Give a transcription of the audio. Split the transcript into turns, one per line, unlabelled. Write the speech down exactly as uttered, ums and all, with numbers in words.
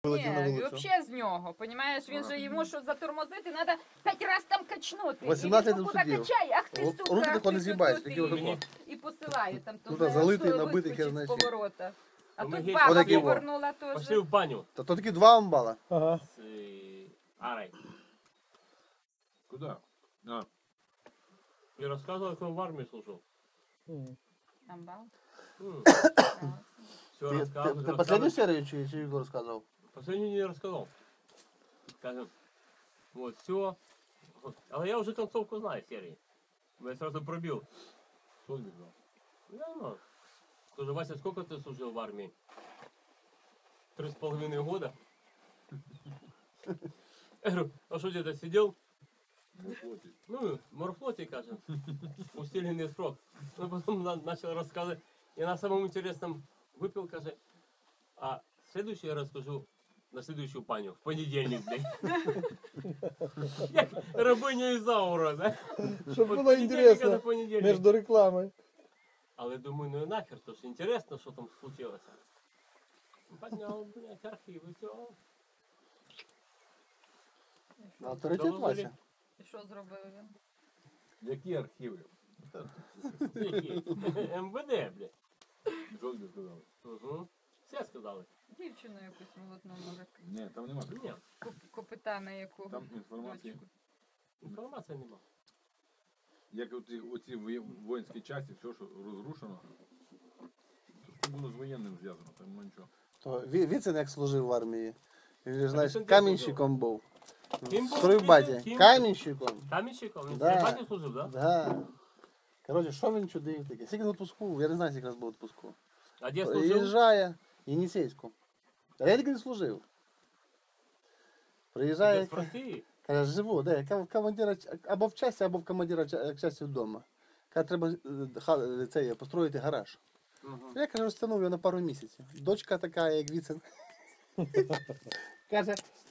Вилетів на
Ні,
вулицю.
взагалі з нього, понімаєш, він же йому що затормозити, треба п'ять разів там качнути.
вісімнадцять
і він
тут сидів.
качай, ах ти,
Ру-
сука,
руки
ах
тако
ти,
не з'їбаєш,
тут,
такі
і-
отако.
І посилаю там, то
Тут
вже
залитий,
аж
набитий,
вискочить
хер
з
знає чим.
поворота. А
Ну, ми
тут
геть
баба
отакі во.
повернула теж.
Пошли в баню
Та то такі два амбала.
Ага.
с э, Арой.
Куда? А,
И рассказывал, как он в армии служил.
М.
Амбал.
Все
Ти, ти,
рассказывал.
ти последню серію чи, чи Ігор розказував?
Последнюю не рассказал. Скажем, вот, все. А я уже концовку знаю серии. Я сразу пробил.
что не знал?
Я знаю. Скажи, Вася, сколько ты служил в армии? Три с половиной года. Я говорю, а что где-то сидел?
Ну, хватит.
Ну, в морфлоте, кажем, усиленный срок. Ну, потом на- начал рассказывать. И на самом интересном выпил, каже, а следующий я расскажу на следующую паню, в понедельник, блядь. Як рабиня Ізаура, да?
Щоб
От
було
понедельника
інтересно
на понедельник.
між рекламою.
Але думаю, ну і нахер, то ж інтересно, що там случилося. Поднял, блядь, архиви, все.
Авторитет
Доложили.
Вася.
І що зробив він?
Які архіви?
М В Д, блядь.
Що тобі сказали?
Угу. Все сказали.
Дівчину якусь молодну, може,
Ні, там нема
Ні,
такого.
коп- копита якого.
Там інформації.
дочку.
інформації нема.
Як оці, оці воє- воїнські часті, все, що розрушено, то що було з воєнним зв'язано, там нема нічого.
То Ві- Віцин як служив в армії. Він же, знаєш,
Віцин де
камінщиком був.
Ким був
В стройбаті.
Віцин? Ким?
Камінщиком.
Камінщиком? Він
Да.
в Стрибаті служив, да?
Да. Коротше, що він чудив таке? Скільки в відпуску? Я не знаю, скільки раз був в відпуску.
А де служив?
Приїжджає, Єнісейську. А я тільки не служив. Приїжджає,
Десь в Росії?
каже, живу, де, ка- командира, ч- або в часті, або в командира ч- часті вдома. Каже, треба е, ха- це, є, построїти гараж.
Угу.
Я, каже, розтягнув його на пару місяців. Дочка така, як Віцин. Каже,